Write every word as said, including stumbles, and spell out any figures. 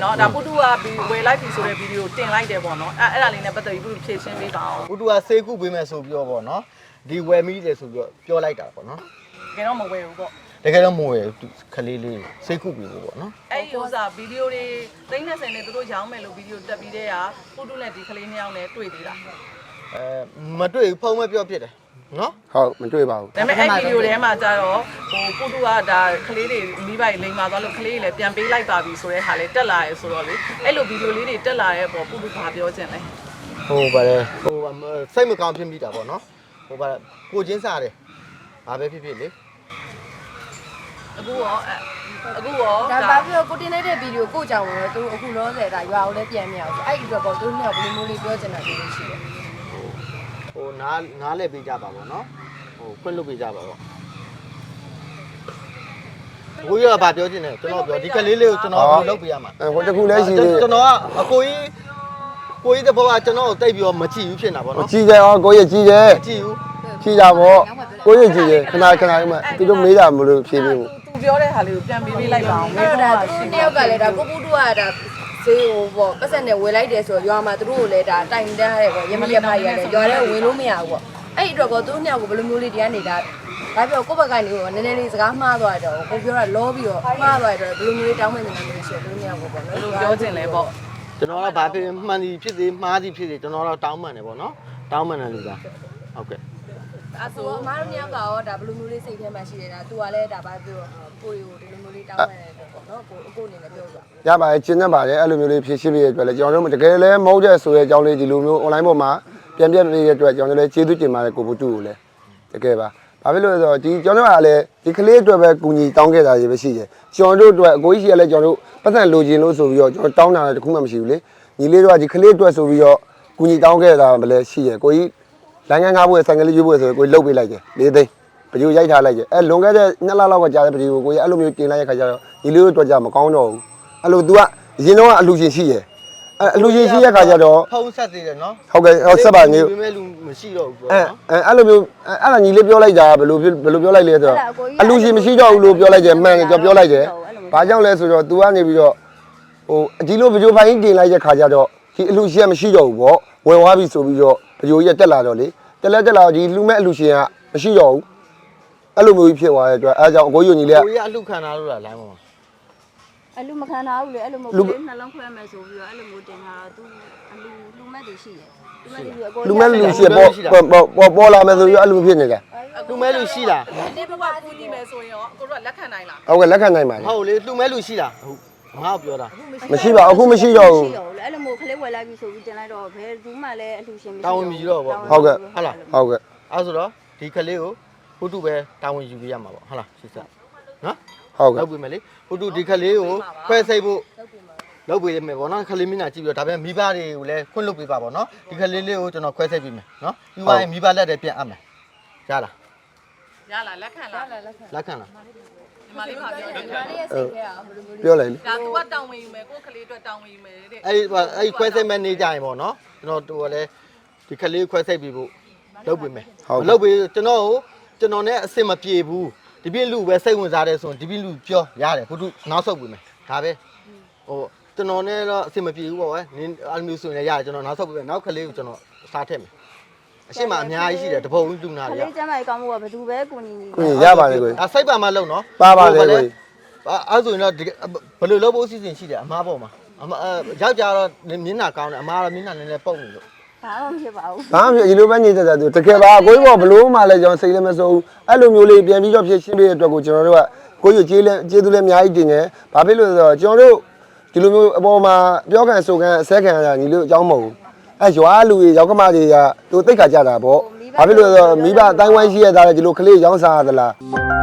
နော်ဒါပုတူကဝယ်လိုက်ပြီဆိုတဲ့ဗီဒီယိုတင်လိုက်တယ်ပေါ့နော်အဲ့အဲ့ဒါလေးနဲ့ပတ်သက်ပြီးပုတူဖြည့်ရှင်းပေးပါအောင်ပုတူကဆေးခုပေးမယ်ဆိုပြီးတော့ပေါ့နော်ဒီဝယ်မိတယ်ဆိုပြီးတော့ပြောလိုက်တာပေါ့နော်တကယ်တော့မဝယ်ဘူးပေါ့တကယ်တော့မဝယ်ခလေးလေးဆေးခုပေးဖို့ပေါ့နော်အဲ့ဒီဥစားဗီဒီယိုတွေသိန်း20နဲ့သူတို့ရောင်းမယ်လို့ဗီဒီယိုတက်ပြီးတဲ့ကပုတူနဲ့ဒီကလေးနှစ်ယောက်နဲ့တွေ့သေးတာအဲမတွေ့ဘူးဖုန်းမပြောဖြစ်တယ်နော်ဟုတ်မတွေ့ပါဘူးဒါပေမဲ့အဲ့ဗီဒီယိုထဲမှာကျတော့ဟိုပုတူကဒါကလေးတွေမိဘတွေလိမ်မာသွားလို့ကလေးတွေလည်းပြန်ပေးလိုက်ပါပြီဆိုတဲ့ဟာလေးတက်လာရဲဆိုတော့လေအဲ့လိုဗီဒီယိုလေးတွေတက်လာရဲ့ပေါ့ပုတူဘာပြောချင်လဲဟိုပါတယ်ဟိုစိတ်မကောင်းဖြစ်မိတာပေါ့နော်ဟိုပါတယ်ကိုချင်းစားတယ်ဘာပဲဖြစ်ဖြစ်လေအခုရောအခုရောဒါဘာဖြစ်လို့ကိုတင်နေတဲ့ဗီဒီယိုကိုကြောင်ရောသူအခုလောဆယ်ဒါရွာကိုလည်းပြန်မရအောင်အဲ့ဒီအတွက်ပေါ့သူတို့ကဘယ်လိုမျိုးလေးပြောချင်တာဒီလိုရှိတယ်ဟိုနားနားလဲပေးကြပါပေါ့နော်ဟိုခွင့်လွတ်ပေးကြပါပေါ့ကိုကြီးကဘာပြောချင်လဲကျွန်တော်ပြောဒီကလေးလေးကိုကျွန်တော်လုပ်ပေးရမှာဟိုတခုလည်းရှိသေးတယ်ကျွန်တော်ကအကိုကြီးကိုကြီးတဲ့ဘဝကျွန်တော်ကိုတိတ်ပြီးတော့မကြည့်ဘူးဖြစ်နေတာပေါ့နော်ကြည့်ကြအောင်ကိုကြီးကြည့်တယ်မကြည့်ဘူးကြည့်ကြပေါ့ကိုကြီးကြည့်တယ်ခဏခဏလေးမှသူတို့မေးတာမလို့ဖြေပေးဘူးသူပြောတဲ့ဟာလေးကိုပြန်ပေးပေးလိုက်ပါအောင်အဲ့ဒါသူတယောက်ကလည်းဒါကိုပူတူကဒါဈေးဟိုပေါ့ပတ်စံနဲ့ဝယ်လိုက်တယ်ဆိုတော့ရွာမှာသူတို့ကိုလည်းဒါတိုင်တန်းရတယ်ပေါ့ရမရဖိုင်ရတယ်ရွာထဲဝင်လို့မရဘူးပေါ့အဲ့ဒီအတွက်ကောသူတို့ညောက်ကိုဘယ်လိုမျိုးလေးတရားနေတာဒါပြောကိုယ့်ဘက်ကနေတော့နည်းနည်းလေးစကားမှားသွားတော့ကိုပြောတာလောပြီးတော့မှားသွားတော့ဘယ်လိုမျိုးလေးတောင်းမှနေတာမျိုးရှိတယ်သူတို့ညောက်ကိုပေါ့နော်ပြောချင်လဲပေါ့ကျွန်တော်ကဘာဖြစ်မှန်စီဖြစ်စေမှားစီဖြစ်စေကျွန်တော်တော့တောင်းမှန်တယ်ပေါ့နော်တောင်းမှန်တယ်လူသားဟုတ်ကဲ့အဲ့ဆိုအမားတို့ညောက်ကရောဒါဘယ်လိုမျိုးလေးစိတ်ထဲမှာရှိနေတာသူကလည်းဒါဘာပြောကိုရီကိုဒီလိုမျိုးလေးတောင်းမှန်တယ်ပေါ့နော်ကိုအခုအနေနဲ့ပြောပြရပါတယ်ကျင်းနေပါတယ်အဲ့လိုမျိုးလေးဖြည့်ရှင်းပေးရတဲ့အတွက်လည်းကျွန်တော်တို့တကယ်လည်းမဟုတ်တဲ့ဆိုတဲ့အကြောင်းလေးဒီလိုမျိုး online ပေါ်မှာပြန်ပြန်ပေးရတဲ့အတွက်ကျွန်တော်တို့လည်းကျေးဇူးတင်ပါတယ်ကိုပုတူကိုလည်းတကယ်ပါဘာဖြစ်လို့လဲဆိုတော့ဒီကျွန်တော်တို့ကလည်းဒီကလေးအတွက်ပဲကူညီတောင်းခဲ့တာကြီးပဲရှိတယ်ကျွန်တော်တို့အတွက်အကိုကြီးရှိရလဲကျွန်တော်တို့ပတ်သက်လိုချင်လို့ဆိုပြီးတော့ကျွန်တော်တောင်းတာတခုမှမရှိဘူးလေညီလေးတို့ကဒီကလေးအတွက်ဆိုပြီးတော့ကူညီတောင်းခဲ့တာပဲလဲရှိရကိုကြီးလိုင်းငန်းငါးဘွဲဆိုင်ကလေးရွေးဘွဲဆိုကိုကြီးလှုပ်ပေးလိုက်တယ်လေးသိန်းပကြိုရိုက်ထားလိုက်တယ်အဲလွန်ခဲ့တဲ့နှစ်လလောက်ကကြာတဲ့ပကြိုကိုကြီးအဲ့လိုမျိုးတင်လိုက်ရခါကျတော့ညီလေးတို့အတွက်ကြမကောင်းတော့ဘူးအဲ့လို तू ကအရင်တော့အလူရှင်ရှိရအဲအလူရှင်ရှိရခါကျတော့ဖုန်းဆက်သေးတယ်နော်ဟုတ်ကဲ့ဟုတ်ဆက်ပါညီပေမဲ့လူမရှိတော့ဘူးပေါ့နော်အဲအဲ့လိုမျိုးအဲ့ဒါညီလေးပြောလိုက်တာဘယ်လိုဘယ်လိုပြောလိုက်လဲဆိုတော့အလူရှင်မရှိတော့ဘူးလို့ပြောလိုက်တယ်မှန်တယ်ကျွန်တော်ပြောလိုက်တယ်ဘာကြောင့်လဲဆိုတော့ तू ကနေပြီးတော့ဟိုဒီလိုပကြိုပိုင်းတင်လိုက်တဲ့ခါကျတော့ဒီအလူရှင်ကမရှိတော့ဘူးပေါ့ဝယ်သွားပြီဆိုပြီးတော့ပကြိုကြီးတက်လာတော့လေတက်လက်တက်လာဒီလူမဲ့အလူရှင်ကမရှိတော့ဘူးအဲ့လိုမျိုးကြီးဖြစ်သွားတဲ့အတွက်အဲကြောင့်အကိုကြီးညီလေးကကိုကြီးကအလူခံထားလို့လားလိုင်းပေါ်မှာအလူမခံထားဘူးလေအဲ့လိုမျိုးလေးနှလုံးခွဲမယ်ဆိုပြီးတော့အဲ့လိုမျိုးတင်တာသူအလူလူမဲ့တွေရှိတယ်လူမဲ့လူရှိပေါ်ပေါ်ပေါ်လာမယ်ဆိုပြီးအဲ့လိုဖြစ်နေကြလူမဲ့လူရှိလားဒီဘက်ကကူညီမယ်ဆိုရင်ရောကိုတို့ကလက်ခံနိုင်လားဟုတ်ကဲ့လက်ခံနိုင်ပါဟုတ်လေလူမဲ့လူရှိလားဟုတ်ငါ့ကိုပြောတာမရှိပါအခုမရှိတော့ဘူးအဲ့လိုမျိုးခလေးဝယ်လိုက်ပြီဆိုပြီးတင်လိုက်တော့ဘယ်သူမှလည်းအလူရှင်မရှိတောင်းမရှိတော့ပေါ့ဟုတ်ကဲ့ဟုတ်လားဟုတ်ကဲ့အဲ့ဆိုတော့ဒီကလေးကိုပုတုပဲတောင်းဝင်ယူပေးရမှာပေါ့ဟုတ်လားရှင်းစနော်ဟုတ်ကဲ့လုပ်ပေးမယ်လေပုတုဒီကလေးကိုခွဲစိတ်ဖို့လုပ်ပေးရမယ်ပေါ့နော်ခလေးမင်းညာကြည့်ပြီးတော့ဒါပေမဲ့မိဘတွေကိုလည်းခွင့်လွတ်ပေးပါပေါ့နော်ဒီကလေးလေးကိုကျွန်တော်ခွဲစိတ်ပေးမယ်နော်ပြီးသွားရင်မိဘလက်တွေပြန်အပ်မယ်ရလားရလားလက်ခံလားလက်ခံလားဒီမလေးကပြောတယ်ဒါလေးရဲ့စိတ်ထဲကဘယ်လိုမျိုးပြောလိုက်လေဒါ तू ကတောင်းဝင်ယူမယ်ကိုကလေးအတွက်တောင်းဝင်ယူမယ်တဲ့အဲ့အဲ့ခွဲစိတ်မဲ့နေကြရင်ပေါ့နော်ကျွန်တော်တို့ကလည်းဒီကလေးခွဲစိတ်ပြီးဖို့လုပ်ပေးမယ်လုပ်ပေးကျွန်တော်ကိုကျွန်တော်နဲ့အစ်စ်မပြေဘူးဒီပြင်းလူပဲစိတ်ဝင်စားတယ်ဆိုရင်ဒီပြင်းလူပြောရတယ်ဘုသူနောက်ဆုတ်ပေးမယ်ဒါပဲဟိုကျွန်တော်နဲ့တော့အစ်စ်မပြေဘူးပေါ့ကွယ်နင်းအမျိုးဆိုရင်လည်းရတယ်ကျွန်တော်နောက်ဆုတ်ပေးမယ်နောက်ကလေးကိုကျွန်တော်စားထည့်မယ်အရှိမအများကြီးရှိတယ်တပုံလူနာတွေကလေးကျမ်းမာရေးကောင်းမှုကဘယ်သူပဲကိုညီညီကိုညီရပါလေကိုဒါစိတ်ပါမှလုံနော်ပါပါလေကိုအဲ့ဆိုရင်တော့ဘယ်လိုလုပ်ဖို့အစီအစဉ်ရှိတယ်အမားပေါ်မှာအမယောက်ျားတော့မျက်နှာကောင်းတယ်အမားတော့မျက်နှာနည်းနည်းပုတ်နေလို့ဘာမှမဖြစ်ပါဘူးဘာမှမဖြစ်ဒီလိုပဲညစ်သက်သူတကယ်ပါကိုကြီးဘောဘလို့မှလည်းကျွန်တော်စိတ်လည်းမစိုးဘူးအဲ့လိုမျိုးလေးပြန်ပြီးတော့ဖြစ်ရှင်းပေးတဲ့အတွက်ကိုကျွန်တော်တို့ကကိုကြီးကျေးလဲကျေးဇူးလည်းအများကြီးတင်တယ်ဘာဖြစ်လို့လဲဆိုတော့ကျွန်တော်တို့ဒီလိုမျိုးအပေါ်မှာပြောခံဆိုခံအဆက်ခံရတာညီလို့အကြောင်းမဟုတ်ဘူးအဲရွာလူတွေရောက်ကမတွေကသူသိက္ခာကြတာပေါ့ဘာဖြစ်လို့လဲဆိုတော့မိဘအတိုင်းဝိုင်းရှိရတာလေဒီလိုကလေးရောင်းစားရသလား